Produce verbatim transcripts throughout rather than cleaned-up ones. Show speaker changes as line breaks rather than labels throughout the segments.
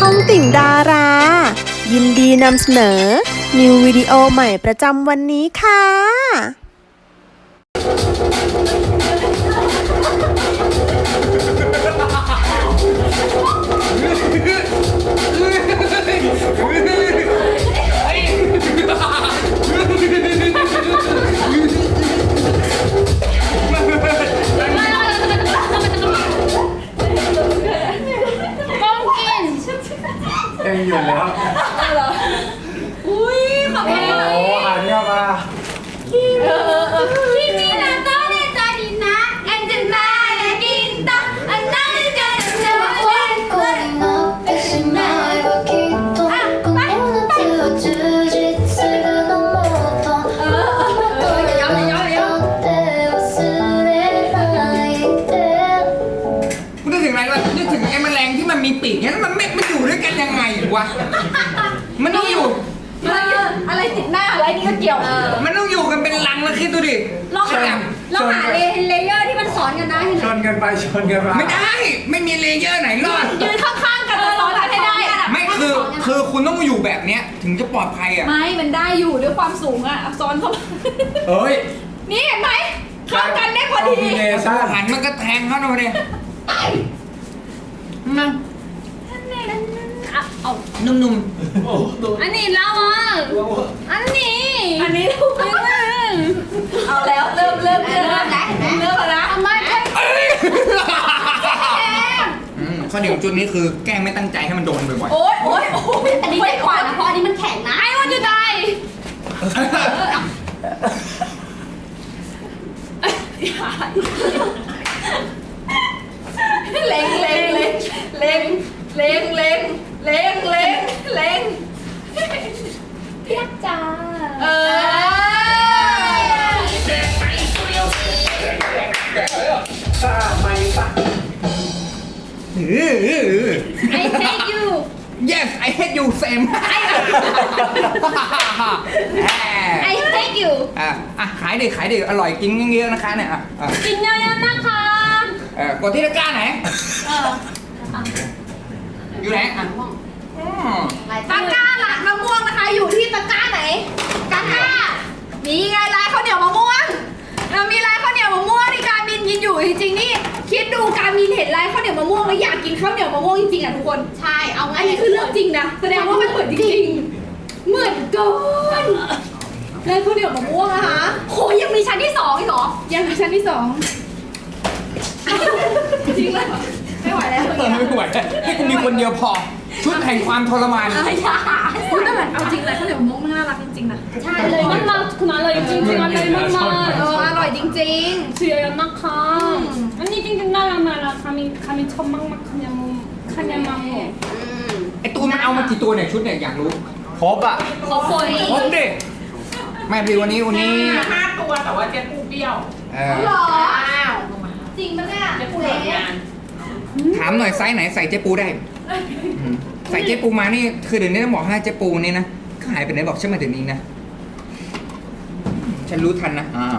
องติ่งดารา ยินดีนำเสนอ นิววิดีโอใหม่ประจำวันนี้ค่ะ
ยังอยู่แล้ว
อุ้ยขอบคุณ
โอ้อ่านเนี่ยมา
เออเออเออที่นี่นะต้องในใจดีนะแอนจะมาและกินต่ออันนั้นจะเจอวันวัน
なってしまえばきっとこの夏は充実するのもっともっとやめようよって忘れないで
กูนึกถึงอะไรวะนึกถึงไอ้แมลงที่มันมีปีกเนี่ยแล้วมันไม่มันอยู่ด้วยกันยังไงวะมันต้องอยู่
เอออะไรติดหน้าอะไรนี่ก็เกี่ยว
มันต้องอยู่กันเป็นรังแล้วคิดดูดิ
ลองหาลองหาเลเลเยอร์ที่มันสอนกันนะ
ชนกันไปชนกันมา
ไม่ได้ไม่มีเลเยอร์ไหนรอด
ยืนข้างๆกันสอนกันให้ได้
ไม่คือคือคุณต้องอยู่แบบเนี้ยถึงจะปลอดภัยอ่ะ
ไม่มันได้อยู่ด้วยความสูงอะซ้อนเข้ามา
เอ้ย
นี่เห็นไหมเข้ากันได้พอดี
คอมบิเนชั่น
หันมันก็แทงเข้ามาเลยมา
เอา
นุ่ม
อันนี้เราอ่ะอันนี้ อันนี้เอาแล้วเริ่มเริ่มเริ่มแล้วเริ่มแล้วนะทำไมแก
ๆอืมข้อดีของจุดนี้คือแกล้งไม่ตั้งใจให้มันโดนบ่อย
โอ๊ยโอ๊ยโอ๊ยอันนี้ไม่กว่านะเพราะอันนี้มันแข็งนะไอ้วันจะได้เล็งเล็งเล็งเล็งเล็งเล็งเล็งเล็งเล็งเพียกจ้าเออ
ถ้าไม่ปะ
ๆอื้อ
I hate you
yes I hate you same
I hate you
อ่ะอ่ะขายดิขายดิอร่อยกินเยอะๆนะคะเนี่ยอ่ะอ่ะ
กินเยอะๆนะคะ
เออกดที่ตะกร้าไหน
เออ
อยู่ไหนอ่ะอืม
ตะกร้าหลังมะม่วงนะคะ อยู่ที่ตะกร้าไหนตะกร้านี่ไงลายข้าวเหนียวมะม่วงเรามีลายข้าวเหนียวมะม่วงที่การมินกินอยู่จริงๆนี่คิดดูการมินเห็นลายข้าวเหนียวมะม่วงแล้วอยากกินข้าวเหนียวมะม่วงจริงๆอ่ะทุกคนใช่เอาอันนี้คือเรื่องจริงนะแสดงว่ามันเหมือนจริงๆเหมือนเกินลายข้าวเหนียวมะม่วงนะคะโหยังมีชั้นที่สองอีกเหรอยังมีชั้นที่สองจริงเลยไม่ไหวแล้ว
เออไม่ไหวให้กูมีคนเดียวพอ ชุดแห่งความทรมาน
อะไรอย่าคุณแต่แบบเอาจริงเลยข้าวเหนียวมะม่วงมันน่ารักจริงๆนะใช่เลย
มันมาคุณอร่อยจริงๆอร่อยมาก
เอออร่อยจริง
ๆเสียนะคะอันนี้จริงๆน่ารักน่ารักคามิคามิชอบมากๆคันยามุคันยามัง
ไอตูนมันเอามากี่ตัวเนี่ยชุดเนี่ยอยากรู้
ครบอ่ะ
ๆขอโฟย
ครบดิแม่พี่วันนี้วันนี้
ห้าตัวแต่ว่าเจ๊ปูเปรี้ยว
เออ
หรอจริงปะเนี่ย
เจ๊ปูหลังงาน
ถามหน่อยไซส์ไหนใส่เจ๊ปูได้อืมใส่เจ๊ปูมานี่คือเดี๋ยวนี้ต้องบอกให้เจ๊ปูนี่นะก็หายไปไหนบอกฉันมาถึงนี้นะฉันรู้ทันนะอ่า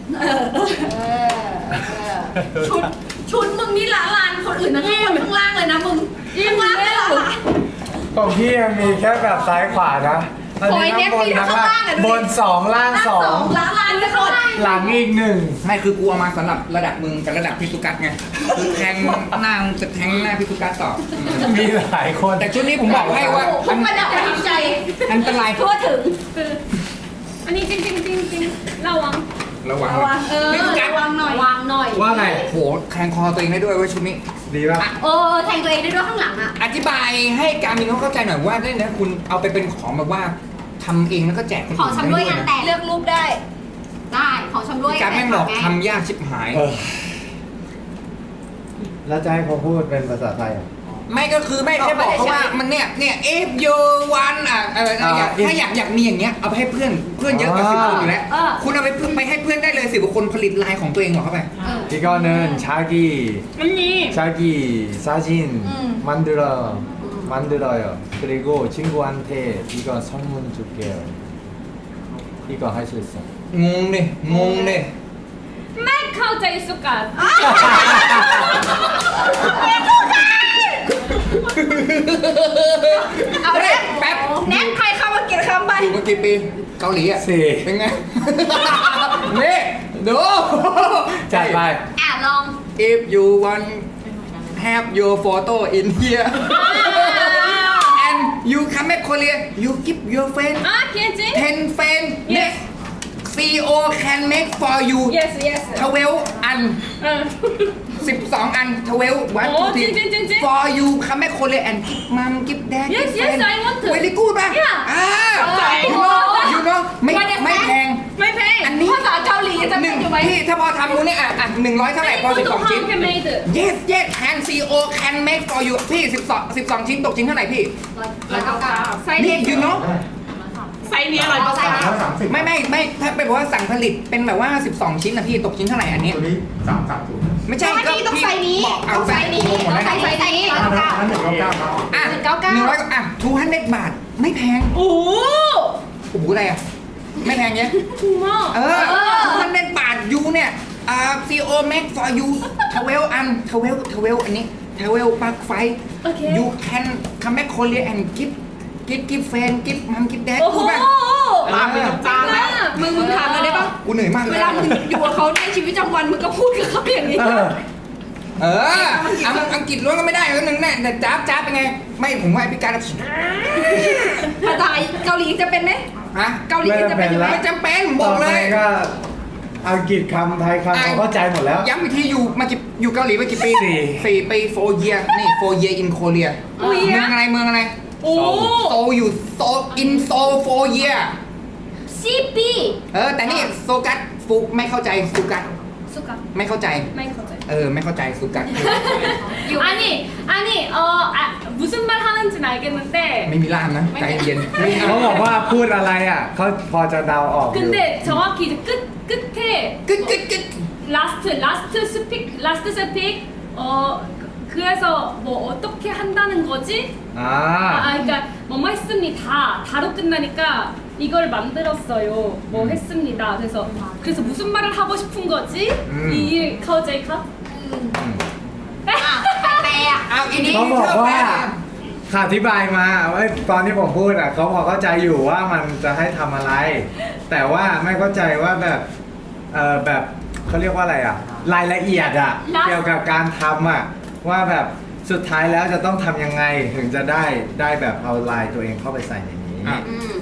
ชุดชุดมึงนี่ละลานคนอื่นนะข้างบนข้างล่างเลยนะมึงข้างล่างเลยเหรอ
ของพี่ยังมีแค่แบบซ้ายขวานะอันนี้ข้างบนทั้งล่างบนสองล่างสอง
ละลานเลยคน
หลังอีกหนึ่ง
ไม่คือกูเอามาสำหรับระดับมึงกับระดับพิสุกัสไงคือแทงหน้ามึงจะแทงหน้าพิสุกัสต่ออืม
มีหลายคน
แต่ชุดนี้ผมบอกให้ว่า
ทุกประดับประทับใจ
อันตราย
ทั่วถึง
อันนี้จริงๆจริงๆระวัง
ระวัง
เออ
พิสุกัส
วางหน่อยวางหน่อย
ว่าไง
โอ้โหแทงคอตัวเองได้ด้วยเว้ยชุดนี้
ดีป่ะ
เออแทงตัวเองได้ด้วยข้างหลังอ่ะ
อธิบายให้การมินเขาเข้าใจหน่อยว่าได้นะคุณเอาไปเป็นของแบบว่าทำเองแล้วก็แจกคน
ของ
อื่น
ชำร่วยงาน
นะ
แต่เลือกรูปได้ ได้ของชำร่วย
การแม่งบอก
ไง
ทำยากชิบหาย
เออแล้วจะให้เขาพูดเป็นภาษาไทยอ่ะ
ไม่ก็คือไม่แค่บอกเขาว่ามันเนี่ยเนี่ย if you want อ่ะเอออยาก
อ่า
ถ้าอยากอยากมีอย่างเงี้ยเอาไปให้เพื่อนเพื่อนเยอะกว่าสิบคนอยู่แล้วคุณเอาไปเพื่อนไปให้เพื่อนได้เลยสิบกว่าคนผลิตลายของตัวเองหรอเข้าไป
이거는 자기
อันนี้
자기 사진 만들어 만들어요. 그리고 친구한테 이거 선물 줄게요. 이거 할 수 있어.
งงดิงงดิ
ไม่เข้าใจสุกัด
ไม่เข้าใจเอาแน็ก
แป๊บ
แน็กใครเข้ามาเก็บคำไป
อยู่มากี่ปีเกาหลีอ่ะ
สี่
เป็นไง นี่ดู
จัดไป
อ่ะลอง
if you want have your photo in here and you come back Korea you give your friend
아 괜찮?
ten friend next C E O can make for you
yes yes
twelve อัน
응
สิบสองอัน twelve one
โอ้
two three
จริงๆจริงๆ
for you come back Korea and give mom give dad
Yes,
give
yes,
friend
I want to.
very good ป่ะ
Yeah.
อ่า
ใจ
you know you know ไม่ไม่แพง
ไม่แพง
อันนี้
ภาษาเกาหลีจะ
ห
เป็
นึ่
น
ง
อยู่ไหม
พี่ถ้าพอทำมูนี่อ่ะอ่ะหนึ่งร้อยเท่าไหร่พอสิบสองชิ้น
handmade
yes yes can C E O can make for you พี่สิบสองสิบสองชิ้นตกชิ้นเท่าไหร่พี่
ร้อยเก้าเก้าไซส์
นี่
เล็ก
you know
ไซส์นี้ร้อยเก้าเก้า
แล้วสามสิบ
ไม่ไม่ไม่ถ้าเป็นว่าสั่งผลิตเป็นแบบว่าสิบสองชิ้นนะพี่ตกชิ้นเท่าไหร่อันนี้
ตัวนี้สามสามศูนย์
ไม่ใช่
อัน
ก็
นี้ต้อง
พี่
ไซส์นี้
บอกเอา
ต้องไซส์นี้
หมด
ต้อง
แล้ว
ไซ
นะ
ส์ไซส์นี้ร้อย
อัน
เก้า
นั้น
เก้า
อันหนึ่งเก้าเก้า
อ่ะ
หนึ่งเก้าเก้า
หนึ่งร้อยอ่ะทูฮันเด็ดบาทไม่แพง
โอ้โห
โอ้โหอะไรอ่ะไม่แพงเนี้ย
ถูกมาก
เออทูฮันเด็ดบาทยูเนี่ยอ่า C E O make for you twelve อันtwelve twelve อันนี้twelve ปลั๊กไฟ
โอเค
you can come back Korea and give give give friend give mom give dad
โอ้โห
พูดป่ะ
ลามไปตรงกลางแล้วมึงมึงถามเลยได้ปะ
กูเหนื่อยมากเล
เวย ลามึงอยู่กับเขาในชีวิตประจำวันมึงก็พูดกับเขาอย่างนี้
เออ
เอออังอังกฤษล้วนก็ไม่ได้ก็หนึ่งแน่แต่จ้าบจ้าบเป็นไง ไม่ผมว่าพิการ
ภาษาเกาหลีจะเป็นไหม
ฮะ
เกาหลีจะเป็นอยู่ไหม
ไม่จำเป็นผมบ
ต่
อ
อก ไป
เลย
ก็อังกฤษคำไทยคำเขาเข้าใจหมดแล้ว
ย้ำอีกทีอยู่มากี่อยู่เกาหลีมากี่ปี
สี่
สี่ปี four year นี่ four year in Korea
โอ้ย
เมืองอะไรเมืองอะไร
โอ้
โซอยู่โซ in Seoul four year
ซีปี
เออ แต่นี่โซกัสฟุกไม่เข้าใจสุกัส
สุกะ
ไม่เข้าใจ
ไม่เข้าใจ
เออ ไม่เข้าใจสุกัส
아니 아니 어 아, 무슨 말 하는지는 알겠는데
ไม่มีล่ามนะใจเย็นไม่เอา
เขาบอกว่าพูดอะไรอ่ะเขาพอจะเดาออกอยู่
근데 정확히 이제 끝 끝에
กึดกึดกึด
라스트 라스트 스픽 라스트 스픽 어 그래서 뭐 어떻게 한다는 거지?
อ่า
아, 그러니까 뭐뭐 했습니다. 다로 끝나니까 이걸 만들었어요. 뭐 했습니다. 그래서 그래서 무슨 말을 하고 싶은 거지?
음.
이 카우제이카?
อ่ะแปลอ่ะ
เอาอีนี้
เขาบอกว่า
เธอแปล
เขาอธิบายมาว่าตอนที่ผมพูดอ่ะเขาพอเข้าใจอยู่ว่ามันจะให้ทำอะไร แต่ว่าไม่เข้าใจว่าแบบเออแบบเขาเรียกว่าอะไรอ่ะ รายละเอียดอ่ะ เกี่ยวกับการทำอ่ะว่าแบบสุดท้ายแล้วจะต้องทำยังไงถึงจะได้ได้แบบเอาลายตัวเองเข้าไปใส่ในนี้
อ่ะ
อืม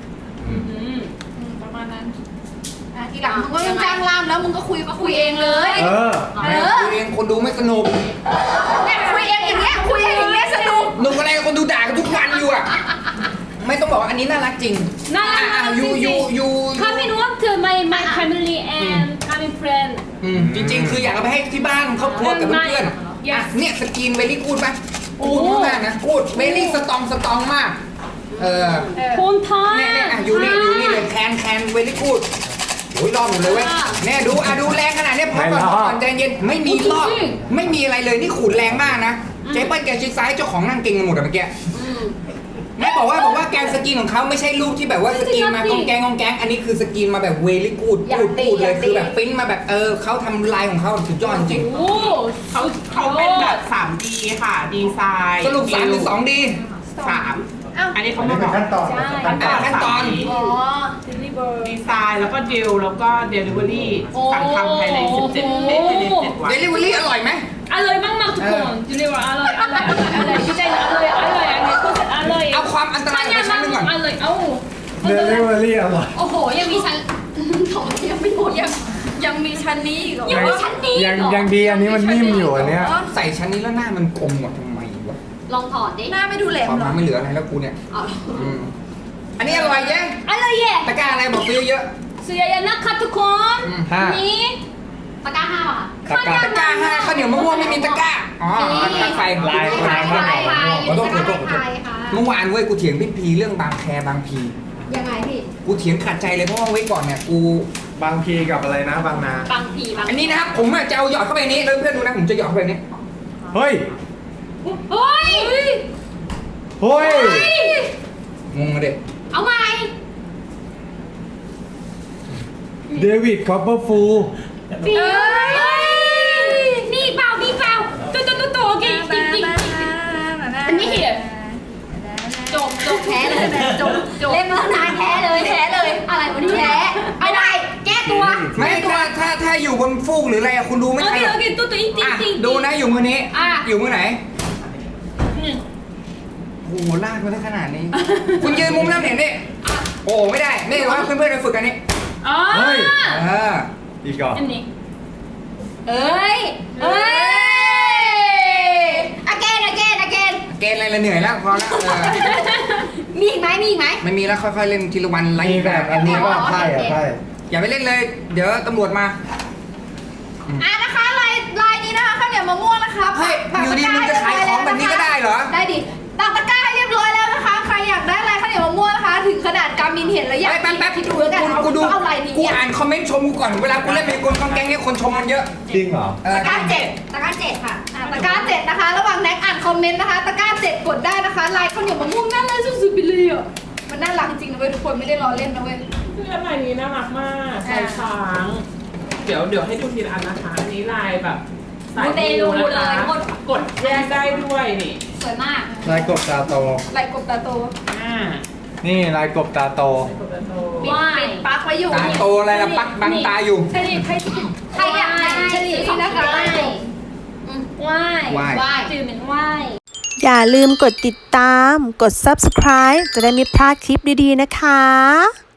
음.
ประมาณนั้นอ่ะทีหลังมึงก็ต้องจ้างล่ามแล้วมึงก็คุยก็คุยเองเลย
เออ
เอ
ไม่
อ
คุยเองคนดูไม่สนุก
เนี่ยคุยเองอย่างเงี้ยคุยเองอย่างเงี้ยสนุก
หนุกอะไรคนดูด่ากันทุกวันอยู่อ่ะ ไม่ต้องบอกว่าอันนี้น่ารักจริง
น่ารัก
อ่ะ
น่ารัก
ยู
จริงๆ
ยูยู
Come in want my my family and come in friend.
อืมจริง ๆ คืออยากเอาไปให้ที่บ้านครอบครัวกับเพื่อนๆ
Yes
อ่ะเนี่ยสกรีนเวลี่กูดป่ะ
โอ้
กูดมากนะกูดเวลี่สตองสตองมาก เออ
본
เนี่ยเนี่ย
타임.
อ่ะอยู่นี่อยู่นี่เลยแคนแคนเวลี่กูดโอ้ยรอบหมดเลยเว้ยเนี่ยดูอ่ะดูแรงขนาดเนี้ยพอก่อน
ไม่รอบ
ก่อนใจเย็นไม่มีรอบไม่มีอะไรเลยนี่ขูดแรงมากนะเจ๊เปิ้ลแกชิดซ้ายเจ้าของนั่งเก่งกันหมดอะเมื่อกี้ แม่บอกว่าบอกว่าแกนสกรีนของเขาไม่ใช่รูปที่แบบว่าสกรีนมากองแกงกองแกงอันนี้คือสกรีนมาแบบเวลี่กูด
อยาก
พูด
ดี
พูดเลย
อยากดี
คือแบบปริ้นมาแบบเออเขาทำลายของเขาสุดยอดจริง
오.
เขาเขาเป็นแบบ สามดี ค่ะ ดีไซน์
สรุปสามหรือสองดี
สาม
อ้าว
อันนี้เขา
อันนี้
มา
เป็
บ
น
อก
ขั้นตอน
ขั้นตอน
สามดี
อ๋อ
Deliver.
ดีไซน์แล้วก็ดิวแล้วก็เดลิเวอรี่
โอ้
สั่งทำภายในสิบเจ็ดเอ๊ะภายในเจ็ดวัน
เดลิเวอรี่อร่อยไหม
알로이 막막 두콘. Deliver 알로이 알로이 알로이 디자인 알로이 알로이 알로이 컨셉 알로이.
เอาความอันตรายของชั้นหนึ่งก่อน
알로이. 아우.
เดลิเวอรี่อร่อย
โอ้โหยังมีชั้นโถยังไม่หมดยังยังมีชั้นนี้อีกเหรอ
ยัง
มีชั้นนี้อีก
ยัง
เหรอ
ยังดีอันนี้มันนิ่มอยู่อันเนี้ย
ใส่ชั้นนี้แล้วหน้ามันกลมหมดทำไมวะ
ลองถอดดิหน้าไม่ดูแหลม
ความ
เหรอ
มาไม่เหลืออะไรแล้วกูเนี่ย
อ๋อ
อืมอันนี้อร่อยยัง
알로이.
ตะกร้าอะไรบอกซื้อเยอะ
수야야 나카 두콘.
ห้า
니.
ตะกร้าห้าป่ะ
ตะกร้า
ตะกร้าห้าข้าวเหนียวมะม่วงไม่มีตะกร้าอ๋อตะไฟ
ลายลายมาก
ลายลาย
ขอโทษขอโทษขอโทษ
ลายค่ะ
เมื่อวานเว้ยกูเถียงพี่พีเรื่องบางแคบางพี
ยังไงพี่
กูเถียงขัดใจเลยเพราะว่าไว้ก่อนเนี่ยกู
บางพีกับอะไรนะบางนา
บางทีบาง
อันนี้นะครับผมอะจะเอาหยอดเข้าไปในนี้แล้วเพื่อนดูนะผมจะหยอดเข้าไปในนี้
เฮ้ย
เฮ้ย
เฮ้ย
งงเลย
เอาใหม่
เดวิดคอปเปอร์ฟูล
비. 니 봐, 니 봐. 또또또또 오케이. 띵띵.
อันนี้
here จบจบ
แพ้เลยจบจบเล่นมาตั้งนานแพ้เลยแพ้เลย อะไรวะนี่แพ้ไม่ได้แก้ตัว
ไม่ถ้าถ้าถ้าอยู่บนฟูกหรืออะไรอะคุณดูไม่ทัน
여기
หรอก
여기 또또
อ่ะ
잉띵띵
ดูนะอยู่มือนี้
อ่ะ
อยู่มือไหน
응.
โอ้โหลากมาได้ขนาดนี้ คุณยืนมุมน้ำเห็นดิโอ้ไม่ได้นี่ว่าเพื่อนๆไปฝึกกันนี่
เฮ้ย
아
เออ
อีกก่อน
언니
เอ้ยเอ้ย again again again
เกณฑ์อะไรละเหนื่อยแล้วพอแล้วเออ
มีอีกไหมมีอีกไหม
ไม่มีแล้วค่อยๆเล่นทีละวันไล่
มีแบบอันนี้ก็ไพ่อะไพ่
อย่าไปเล่นเลย เดี๋ยวตำรวจมา
อ่ะนะคะลายลายนี้นะคะข้าวเหนียวมะม่วงนะคะ
เฮ้ยอยู่ดีมึงจะขายของแบบนี้ก็ได้เหรอ
ได้ดิตักตะกร้าให้เรียบร้อยแล้วนะคะใครอยากได้ลายข้าวเหนียวมะม่วงนะคะ ถึงขนาดการมินเห็นแล้วอยาก
แป๊บแป๊บ
คิดดูแล้วกัน
กูดู
เอาลายนี้
กูอ่านคอมเมนต์ชมกูก่อนเวลากูเล่นเป็นกลกองแกงเนี่ยคนชมมันเยอะ
จริงเหรอ
เออ
ตะกร้าเจ็ดตะกร้าเจ็ดค่ะอ่ะตะกร้าเจ็ดนะคะ ระหว่างแน็กอ่านคอมเมนต์นะคะตะกร้าเจ็ดกดได้นะคะลายข้าวเหนียวมะม่วงน่ารักสุดๆไปเลยอ่ะมันน่ารักจริงๆนะเว้ยทุกคนไม่ได้ล้อเล่นนะเว้ย
เพื่อนลายนี้น่ารักมากลายช้าง เดี๋ยวเดี๋ยวให้ดูทีละอันนะคะ อันนี้ลายแบบสาย
มูเตลู
มู
เลย
นะคะ
กด
กดแยกได้ด้วยนี่
สวยมาก
ลายกบตาโต
ลายกบตาโต
อ่า
นี่ลายกบตาโต
กดแล้วโต
ปิดปิดปลั๊กไว้อยู่
ตาโตอะไรละปักบังตาอยู่
체리 팔찌
ใครอยากได้ชนิดนี้นะคะได้
와이
와이.
와이.
지금은 와이
อย่าลืมกดติดตาม กด ซับสไครบ์ จะได้ไม่พลาดคลิปดีๆนะคะ